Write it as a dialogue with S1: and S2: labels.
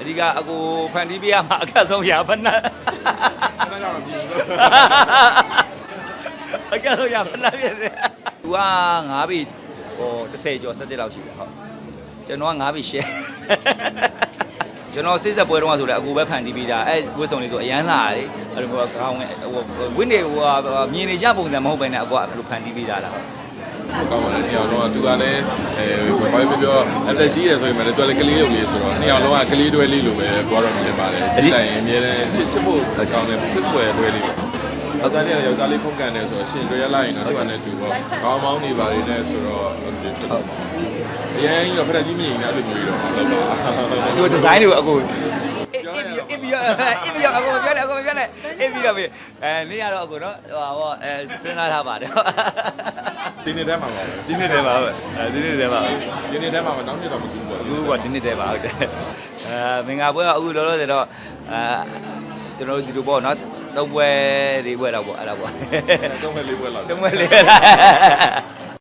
S1: ဒီကအကိုဖန်တီးပေးရမှာအခက်ဆုံးရဖက်နှက်
S2: အဲ့ဒါကြောင့်မပြီးဘူး
S1: အခက်ဆုံးရဖက်နှက်ဖြစ်တယ်သူက9ပြီဟို30ကျော်17လောက်ရှိတယ်ဟုတ်ကျွန်တော်က9ပြီရှယ်ကျွန်တော်စိတ်ဆက်ပွဲတော့ဆိုလည်းအကူပဲဖန်တီးပြီးတာအဲဝစ်စုံလေးဆိုအရန်လာတယ်အဲ့လိုကောင်းဝင်းနေဟိုမြင်နေကြပုံစံမဟုတ်ဘဲနဲ့အကူကဘယ်လိုဖန်တီးပြီးတာလား
S2: ကောင်းပါတယ်နှစ်ယောက်လုံးကသူကလည်းဘာပဲပြောအသက်ကြီးရဆိုရင်လည်းသူကလည်းကလေးရုပ်လေးဆိုတော့နှစ်ယောက်လုံးကကလေးတွဲလေးလိုပဲကိုကတော့မြင်ပါတယ်ဒီတိုင်အမြဲတမ်းချစ်ဖို့ကောင်းတယ်ချစ်ဆွဲတွဲလေးပေါ့ယောက်ျားလေးကယောက်ျားလေးဖုန်ကန်တယ်ဆိုတော့ရှင်တွဲရလိုက်ရင်တော့သူကလည်းသူပေါ့ကောင်းမောင်းနေပါလေနဲ့ဆိုတော့အရင်ကဖက်ကြီးမြင်နေတာအဲ့လိုမျိုးတော့ဟုတ်ပါ
S1: သူဒီဇိုင်းတွေကိုအကူအစ်ပြီးတော့အကူပြောတယ်အကူပြောတယ်အစ်ပြီးတော့နေရတော့အကူနော်ဟောစဉ်းစားထားပါတယ်
S2: ဒီနေ့တည်းမှာပါပဲ
S1: ဒီနေ့တည်းပါပဲဒီနေ့တည်းပါ
S2: ဒီနေ့တည်းမှာမနောက်နေ့တော့မကူဘူးပေါ့
S1: အခုကဒီနေ့တည်းပါဟုတ်တယ်မင်္ဂလာပွဲကအခုလောလောဆယ်တော့ကျွန်တော်တို့ဒီလိုပေါ့နော်သုံးပွဲ၄ပွဲတော့ပေါ့အဲ့ဒါပေါ့
S2: သုံးမဲ့လေးပွဲလောက်
S1: သုံးပွဲ၄